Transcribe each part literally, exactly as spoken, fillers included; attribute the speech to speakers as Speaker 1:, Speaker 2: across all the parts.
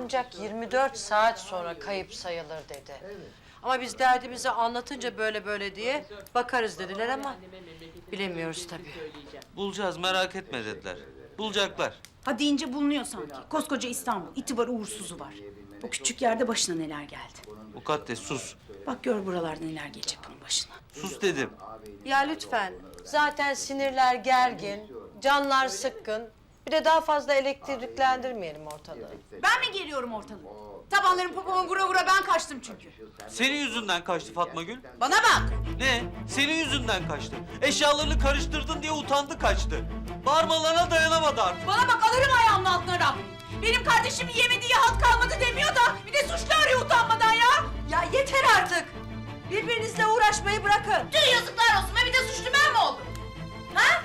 Speaker 1: ancak yirmi dört saat sonra kayıp sayılır dedi. Ama biz derdimizi anlatınca böyle böyle diye bakarız dediler ama bilemiyoruz tabii.
Speaker 2: Bulacağız, merak etme dediler. Bulacaklar.
Speaker 3: Ha deyince bulunuyor sanki. Koskoca İstanbul, iti var uğursuzu var. O küçük yerde başına neler geldi.
Speaker 2: Mukaddes sus.
Speaker 3: Bak gör buralarda neler gelecek bunun başına.
Speaker 2: Sus dedim.
Speaker 1: Ya lütfen, zaten sinirler gergin, canlar sıkkın. Bir de daha fazla elektriklendirmeyelim ortalığı.
Speaker 3: Ben mi geliyorum ortalığı? Tabanlarım popoma vura vura ben kaçtım çünkü.
Speaker 2: Senin yüzünden kaçtı Fatma Gül.
Speaker 3: Bana bak!
Speaker 2: Ne? Senin yüzünden kaçtı. Eşyalarını karıştırdın diye utandı kaçtı. Bağırmalarına dayanamadı artık.
Speaker 3: Bana bak alırım ayağımın altına Rabbim. Benim kardeşimin yemediği halt kalmadı demiyor da bir de suçlu arıyor utanmadan ya.
Speaker 1: Ya yeter artık! Birbirinizle uğraşmayı bırakın.
Speaker 3: Tüh yazıklar olsun ve bir de suçlu ben mi oldum? Ha?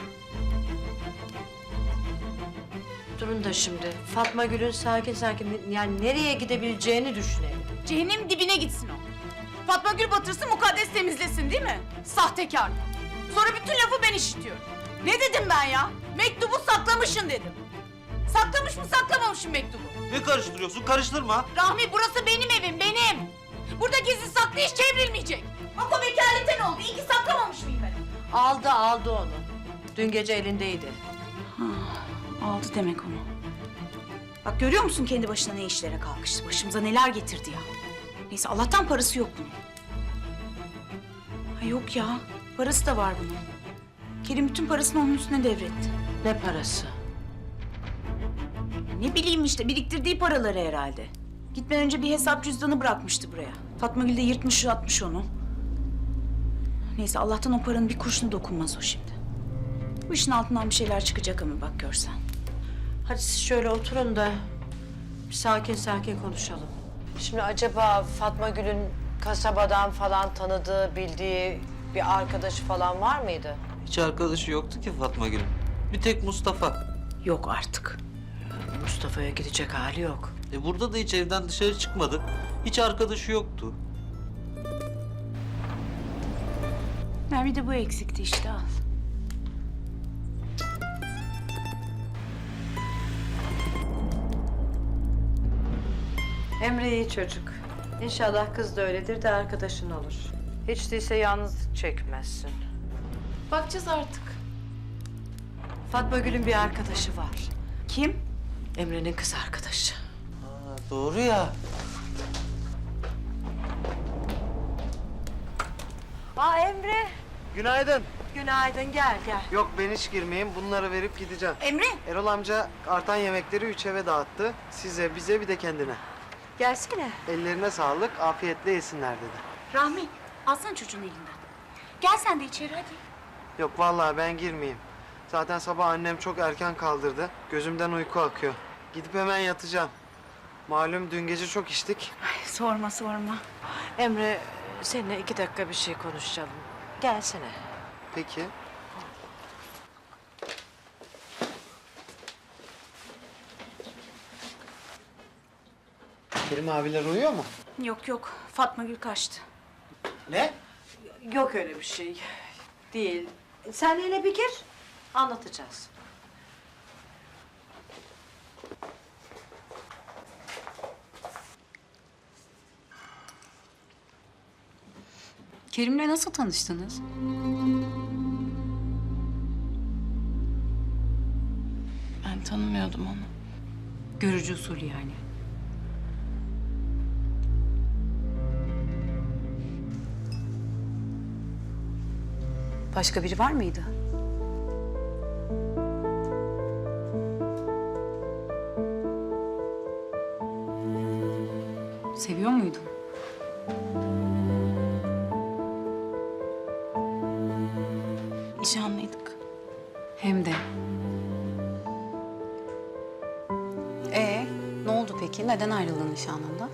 Speaker 1: Durun da şimdi, Fatma Gül'ün sakin sakin yani nereye gidebileceğini düşünelim.
Speaker 3: Cehennem dibine gitsin o. Fatma Gül batırsın, mukaddes temizlesin değil mi? Sahtekar. Sonra bütün lafı ben işitiyorum. Ne dedim ben ya? Mektubu saklamışsın dedim. Saklamış mı saklamamışım mektubu?
Speaker 2: Ne karıştırıyorsun? Karıştırma.
Speaker 3: Rahmi burası benim evim, benim. Burada gizli saklı iş çevrilmeyecek. Bak o vekaleten oldu. İyi ki saklamamış mıyım ben?
Speaker 1: Aldı aldı onu. Dün gece elindeydi.
Speaker 3: Aldı demek onu. Bak görüyor musun kendi başına ne işlere kalkıştı? Başımıza neler getirdi ya. Neyse Allah'tan parası yok bunun. Ha yok ya. Parası da var bunun. Kerim bütün parasını onun üstüne devretti.
Speaker 1: Ne parası?
Speaker 3: Ne bileyim işte biriktirdiği paraları herhalde. Gitmeden önce bir hesap cüzdanı bırakmıştı buraya. Fatma Gül de yırtmış atmış onu. Neyse Allah'tan o paranın bir kurşunu dokunmaz o şimdi. Bu işin altından bir şeyler çıkacak ama bak görsen.
Speaker 1: Hadi siz şöyle oturun da bir sakin sakin konuşalım. Şimdi acaba Fatma Gül'ün kasabadan falan tanıdığı, bildiği bir arkadaşı falan var mıydı?
Speaker 2: Hiç arkadaşı yoktu ki Fatma Gül'ün. Bir tek Mustafa.
Speaker 3: Yok artık.
Speaker 1: Mustafa'ya gidecek hali yok.
Speaker 2: E burada da hiç evden dışarı çıkmadı. Hiç arkadaşı yoktu.
Speaker 3: Ya bir de bu eksikti işte al.
Speaker 1: Emre iyi çocuk. İnşallah kız da öyledir de arkadaşın olur. Hiç değilse yalnızlık çekmezsin.
Speaker 3: Bakacağız artık.
Speaker 1: Fatma Gül'ün bir arkadaşı var.
Speaker 3: Kim?
Speaker 1: Emre'nin kız arkadaşı.
Speaker 2: Ha, doğru ya.
Speaker 1: Aa Emre.
Speaker 4: Günaydın.
Speaker 1: Günaydın gel gel.
Speaker 4: Yok ben hiç girmeyeyim. Bunları verip gideceğim.
Speaker 3: Emre.
Speaker 4: Erol amca artan yemekleri üç eve dağıttı. Size, bize bir de kendine.
Speaker 1: Gelsene.
Speaker 4: Ellerine sağlık, afiyetle yesinler dedi.
Speaker 3: Rahmi alsana çocuğun elinden. Gel sen de içeri hadi.
Speaker 4: Yok vallahi ben girmeyeyim. Zaten sabah annem çok erken kaldırdı. Gözümden uyku akıyor. Gidip hemen yatacağım. Malum dün gece çok içtik.
Speaker 3: Ay, sorma sorma.
Speaker 1: Emre seninle iki dakika bir şey konuşalım. Gelsene.
Speaker 4: Peki. Kerim abiler uyuyor mu?
Speaker 3: Yok yok Fatma Gül kaçtı.
Speaker 4: Ne?
Speaker 1: Yok öyle bir şey. Değil. Sen hele bir gir. Anlatacağız.
Speaker 5: Kerim'le nasıl tanıştınız?
Speaker 6: Ben tanımıyordum onu.
Speaker 5: Görücü usulü yani. Başka biri var mıydı? Seviyor muydun?
Speaker 6: Nişanlıydık.
Speaker 5: Hem de. Ee, ne oldu peki? Neden ayrıldın nişanlından?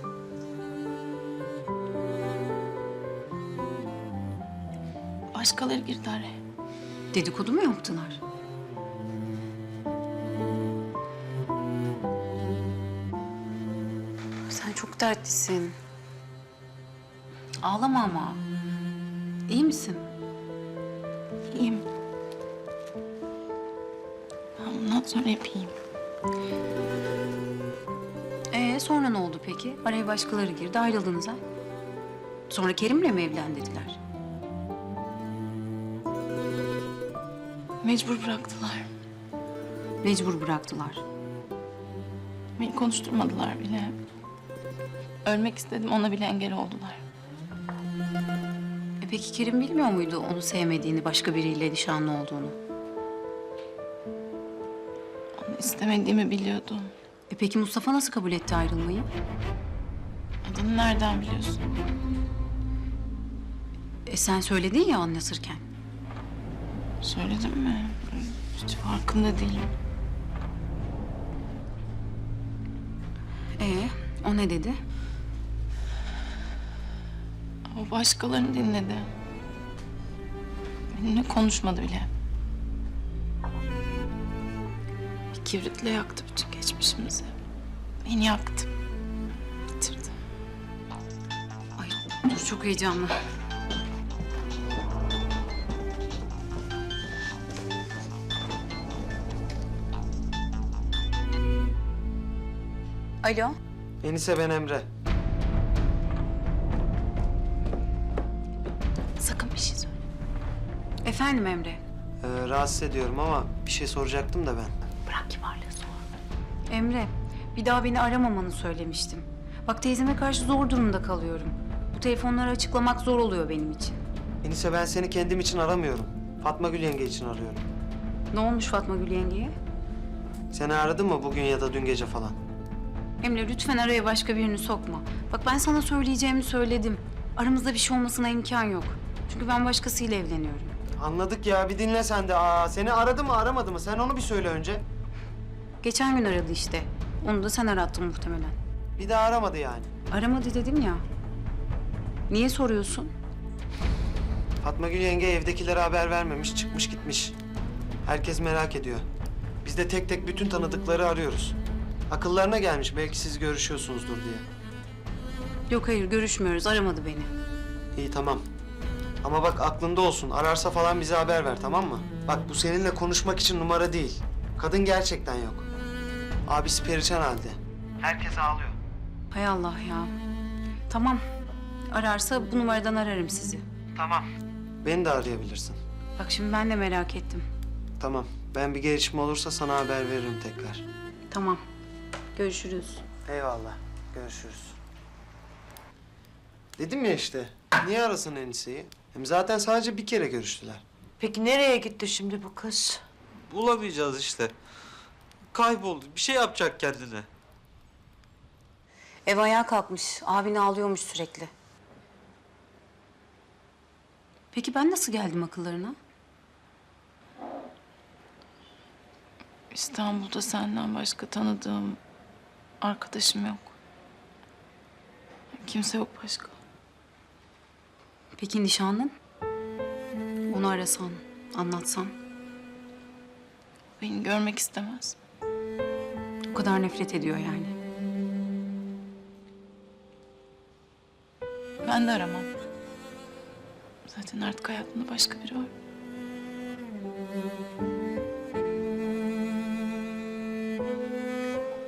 Speaker 6: Başkaları girdi araya.
Speaker 5: Dedikodu mu yaptılar? Sen çok dertlisin. Ağlama ama. İyi misin?
Speaker 6: İyiyim. Ben bundan sonra hep iyiyim.
Speaker 5: Ee sonra ne oldu peki? Araya başkaları girdi, ayrıldınız ha? Sonra Kerim'le mi evlen dediler?
Speaker 6: Mecbur bıraktılar.
Speaker 5: Mecbur bıraktılar.
Speaker 6: Beni konuşturmadılar bile. Ölmek istedim, ona bile engel oldular.
Speaker 5: E peki Kerim bilmiyor muydu onu sevmediğini, başka biriyle nişanlı olduğunu?
Speaker 6: Onu istemediğimi biliyordu.
Speaker 5: E peki Mustafa nasıl kabul etti ayrılmayı?
Speaker 6: Adını nereden biliyorsun?
Speaker 5: E sen söyledin ya anlatırken.
Speaker 6: Söyledim mi? Hiç farkında değilim.
Speaker 5: E o ne dedi?
Speaker 6: O başkalarını dinledi. Benimle konuşmadı bile. Bir kibritle yaktı bütün geçmişimizi. Beni yaktı. Bitirdi.
Speaker 5: Ay dur çok heyecanlı. Alo.
Speaker 4: Enise ben Emre.
Speaker 5: Sakın bir şey söyle. Efendim Emre.
Speaker 4: Ee, rahatsız ediyorum ama bir şey soracaktım da ben.
Speaker 5: Bırak kibarlığı sor. Emre, bir daha beni aramamanı söylemiştim. Bak teyzeme karşı zor durumda kalıyorum. Bu telefonları açıklamak zor oluyor benim için.
Speaker 4: Enise ben seni kendim için aramıyorum. Fatma Gül yenge için arıyorum.
Speaker 5: Ne olmuş Fatma Gül yengeye?
Speaker 4: Seni aradı mı bugün ya da dün gece falan?
Speaker 5: Emre lütfen araya başka birini sokma. Bak ben sana söyleyeceğimi söyledim. Aramızda bir şey olmasına imkan yok. Çünkü ben başkasıyla evleniyorum.
Speaker 4: Anladık ya, bir dinle sen de. Aa, seni aradı mı aramadı mı? Sen onu bir söyle önce.
Speaker 5: Geçen gün aradı işte. Onu da sen arattın muhtemelen.
Speaker 4: Bir daha aramadı yani.
Speaker 5: Aramadı dedim ya. Niye soruyorsun?
Speaker 4: Fatma Gül yenge evdekilere haber vermemiş, çıkmış gitmiş. Herkes merak ediyor. Biz de tek tek bütün tanıdıkları arıyoruz. Akıllarına gelmiş, belki siz görüşüyorsunuzdur diye.
Speaker 5: Yok hayır görüşmüyoruz. Aramadı beni.
Speaker 4: İyi tamam. Ama bak aklında olsun, ararsa falan bize haber ver, tamam mı? Bak bu seninle konuşmak için numara değil. Kadın gerçekten yok. Abisi perişan halde. Herkes ağlıyor.
Speaker 5: Hay Allah ya. Tamam. Ararsa bu numaradan ararım sizi.
Speaker 4: Tamam. Beni de arayabilirsin.
Speaker 5: Bak şimdi ben de merak ettim.
Speaker 4: Tamam. Ben bir gelişme olursa sana haber veririm tekrar.
Speaker 5: Tamam. Görüşürüz.
Speaker 4: Eyvallah. Görüşürüz. Dedim ya işte. Niye arasın Enise'yi? Hem zaten sadece bir kere görüştüler.
Speaker 1: Peki nereye gitti şimdi bu kız?
Speaker 2: Bulamayacağız işte. Kayboldu. Bir şey yapacak kendine.
Speaker 5: Ev ayağa kalkmış. Abin ağlıyormuş sürekli. Peki ben nasıl geldim akıllarına?
Speaker 6: İstanbul'da senden başka tanıdığım arkadaşım yok. Kimse yok başka.
Speaker 5: Peki nişanlın? Onu arasan, anlatsan.
Speaker 6: Beni görmek istemez.
Speaker 5: O kadar nefret ediyor yani.
Speaker 6: Ben de aramam. Zaten artık hayatımda başka biri var.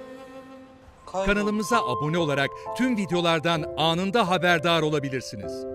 Speaker 2: Kayboldu.
Speaker 7: Kanalımıza abone olarak tüm videolardan anında haberdar olabilirsiniz.